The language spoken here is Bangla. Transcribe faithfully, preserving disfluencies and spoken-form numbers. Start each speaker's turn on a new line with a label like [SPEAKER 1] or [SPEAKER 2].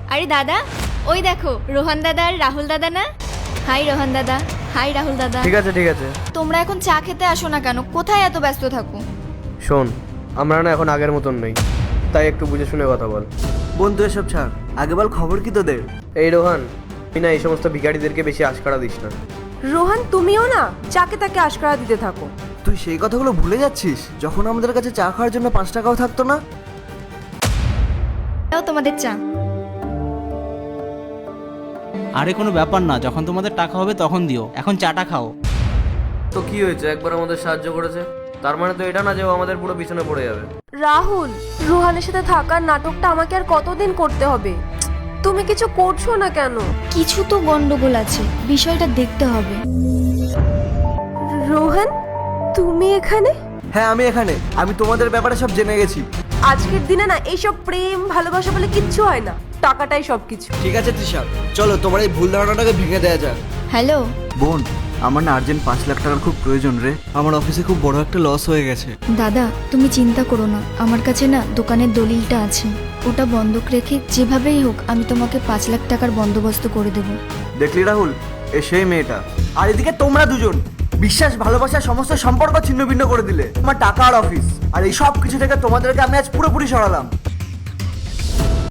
[SPEAKER 1] আরে দাদা, ওই দেখো রোহন দাদা আর রাহুল দাদা না? হাই রোহন দাদা, হাই রাহুল দাদা।
[SPEAKER 2] ঠিক আছে ঠিক আছে।
[SPEAKER 1] তোমরা এখন চা খেতে আসো না কেন? কোথায় এত ব্যস্ত থাকো?
[SPEAKER 2] শোন, আমরা না এখন আগের মতন নেই, তাই একটু বুঝে শুনে কথা বল।
[SPEAKER 3] বন্ধু এসব ছাড়, আগে বল খবর কি তোদের?
[SPEAKER 2] এই রোহান, তুই না এই সমস্ত ভিখারিদেরকে বেশি আশকারা দিস না।
[SPEAKER 4] রোহান তুমিও না চাকে তাকে আশকারা দিতে থাকো।
[SPEAKER 3] তুই সেই কথাগুলো ভুলে যাচ্ছিস যখন আমাদের কাছে চা খাওয়ার জন্য পাঁচ টাকাও থাকতো না।
[SPEAKER 1] দাও তোমাদের চা।
[SPEAKER 5] আরে কোনো ব্যাপার না, যখন তোমাদের টাকা হবে তখন দিও, এখন চাটা খাও।
[SPEAKER 2] তো কি হয়েছে, একবার আমাদের সাহায্য করেছে, তার মানে তো এটা না যে ও আমাদের পুরো পিছনে পড়ে যাবে।
[SPEAKER 4] রাহুল, রোহানের সাথে থাকার নাটকটা আমাকে আর কতদিন করতে হবে? তুমি কিছু করছো না কেন?
[SPEAKER 1] কিছু তো গন্ডগোল আছে, বিষয়টা দেখতে হবে।
[SPEAKER 4] রোহান, তুমি এখানে?
[SPEAKER 3] হ্যাঁ আমি এখানে, আমি তোমাদের ব্যাপারে সব জেনে গেছি।
[SPEAKER 4] আজকের দিনে না এইসব প্রেম ভালোবাসা বলে কিচ্ছু হয় না, টাকাটাই সবকিছু।
[SPEAKER 3] ঠিক আছে তৃষা, চলো তোমার এই ভুল ধারণাটাকে ভেঙে দেওয়া যাক।
[SPEAKER 1] হ্যালো
[SPEAKER 3] বোন, আমার না আর্জেন্ট পাঁচ লাখ টাকার খুব প্রয়োজন রে। আমার অফিসে খুব বড় একটা লস হয়ে গেছে।
[SPEAKER 1] দাদা, তুমি চিন্তা করো না, আমার কাছে না দোকানের দলিলটা আছে, ওটা বন্ধক রেখে যেভাবেই হোক আমি তোমাকে পাঁচ লাখ টাকার বন্দোবস্ত করে দেবো।
[SPEAKER 3] দেখলি রাহুল, এ সেই মেয়েটা। আর এদিকে তোমরা দুজন বিশ্বাস ভালোবাসার সমস্ত সম্পর্ক ছিন্ন ভিন্ন করে দিলে। আমার টাকা আর অফিস আর এই সব কিছু থেকে তোমাদেরকে আমি আজ পুরোপুরি সরালাম।